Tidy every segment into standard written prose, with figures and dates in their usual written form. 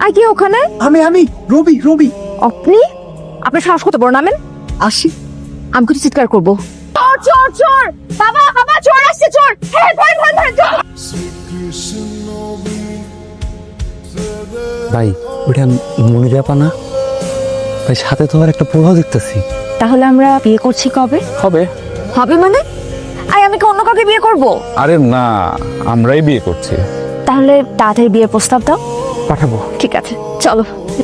কি ওখানে? আমি রবি রবি। আপনি? আপনার সাহস কত বড়, নামেন। আসি। আমি কিছু চিৎকার করবো। চোর চোর চোর! বাবা বাবা, চোর আসছে, চোর! হ্যাঁ, ধরেন ধরেন ধরেন, চোর! ভাই ওটা মনিরাপা না ভাই? সাথে তোমার একটা প্রভাব দেখতেছি। তাহলে আমরা বিয়ে করছি কবে? হবে হবে মানে? আমি কি অন্য কাউকে বিয়ে করব? আরে না, আমরাই বিয়ে করছি। তাহলে তাড়াতাড়ি বিয়ের প্রস্তাব দাও। পাঠাবো। ঠিক আছে, চলো।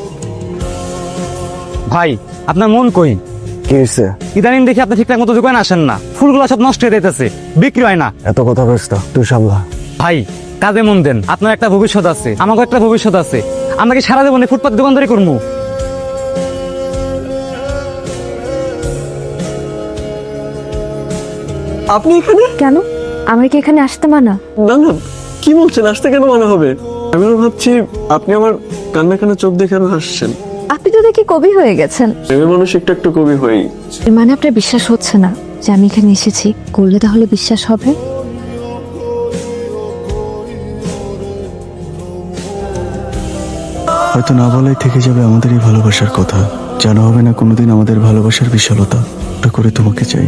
ভাই আপনার মন কই? কি হয়েছে? ইদানিং দেখি আপনি ঠিকঠাক মতো দোকানে আসেন না, ফুলগুলো সব নষ্ট হয়ে যাইতেছে, বিক্রি হয় না। এত কথা কইছ তো, তুই সামলা। ভাই কাজে মন দেন, আপনার একটা ভবিষ্যৎ আছে, আমাকে একটা ভবিষ্যৎ আছে। আমরা কি সারা জীবনে ফুটপাত দোকানদারি করবো? আপনি এখানে? কেন? আমার কি এখানে আসতে মানা? না না, কি বলছেন? আসতে কেন মনে হবে? আমি ভাবছি আপনি আমার কান্না কান্না চোখ দেখে আরো হাসছেন। আপনি তো দেখি কবি হয়ে গেছেন। প্রেমের মানুষ একটু একটু কবি হই। এর মানে আপনার বিশ্বাস হচ্ছে না যে আমি এখানে এসেছি? করলে তাহলে বিশ্বাস হবে। হয়তো না বলাই থেকে যাবে আমাদের এই ভালোবাসার কথা, জানা হবে না কোনোদিন আমাদের ভালোবাসার বিশালতা। ওটা করে তোমাকে চাই।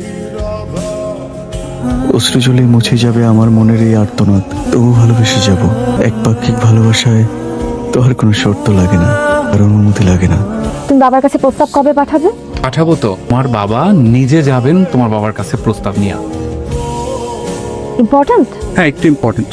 অশ্রু জলে মুছে যাবে আমার মনের এই আর্তনাদ, তবু ভালোবেসে যাব। এক পাক্ষিক ভালোবাসায় তো আর কোনো শর্ত লাগে না, আর অনুমতি লাগে না। তুমি বাবার কাছে প্রস্তাব কবে পাঠাবে? পাঠাবো তো। তোমার বাবা নিজে যাবেন তোমার বাবার কাছে প্রস্তাব নিয়ে। ইম্পর্ট্যান্ট? হ্যাঁ, একটু ইম্পর্টেন্ট।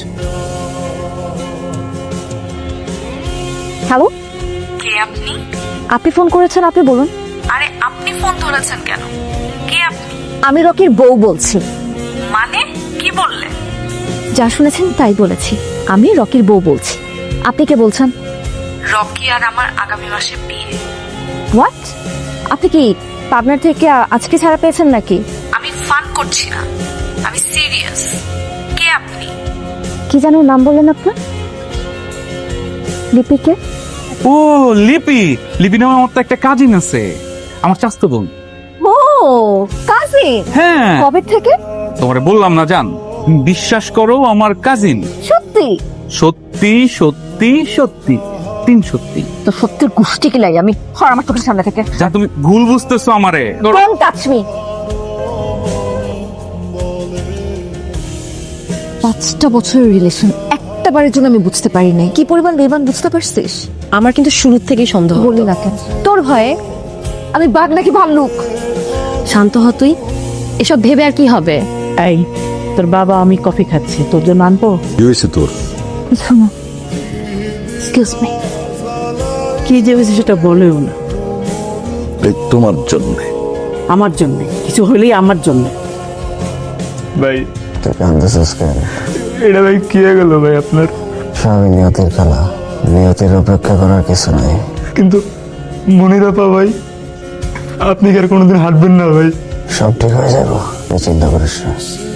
হ্যালো, কে আপনি? আপনি ফোন করেছেন, আপনি বলুন। আরে আপনি ফোন ধরেছেন কেন? কে আপনি? আমি রকির বউ বলছি। মানে কি বললেন? যা শুনেছেন তাই বলেছি। আমি রকির বউ বলছি। আপনি কে বলছেন? রকি আর আমার আগামী মাসে বিয়ে। হোয়াট? আপনি কি পাবনার থেকে আজকে ছাড়া পেয়েছেন নাকি? আমি ফান করছি না, আমি সিরিয়াস। কে আপনি? কি যেন নাম বললেন আপনার? লিপিকে? ও লিপি। লিপি নামে আমার তো একটা কাজিন আছে, আমার চাস্তো বোন। ও কাজিন? হ্যাঁ, কবে থেকে? তোমারে বললাম না জান, বিশ্বাস করো আমার কাজিন। সত্যি? সত্যি সত্যি সত্যি, 3 সত্যি। তো সত্যির গোষ্ঠী কিলাই আমি। হর আমার চোখের সামনে থেকে। যা তুমি ভুল বুঝতেছো আমারে। Don't touch me. 5টা বছরের রিলেশন, একটা বারের জন্য আমি বুঝতে পারি নাই কি পরিমাণ বেইমান, বুঝতে পারছিস? আমার কিন্তু শুরু থেকেই সন্দেহ। বললি না কেন? তোর ভয়ে আমি বাঘ নাকি ভাল্লুক? শান্ত হ তুই, এসব ভেবে আর কি হবে? এই তোর বাবা, আমি কফি খাচ্ছি, তোর জন্য আনবো? কি হয়েছে তোর? শোনো, এক্সকিউজ মি। কি যে হয়েছে সেটা বলেও না। তোমার জন্য। আমার জন্য কিছু হলেই আমার জন্য। ভাই তুই কান্দাছিস কেন? এটা ভাই কি হয়ে গেল ভাই আপনার? সবই নিয়তির খেলা, নিয়তির অপেক্ষা করার কিছু নাই। কিন্তু মনিরাপা ভাই, আপনি কি আর কোনোদিন হাঁটবেন না ভাই? সব ঠিক হয়ে যাবো, তুই চিন্তা করিস না।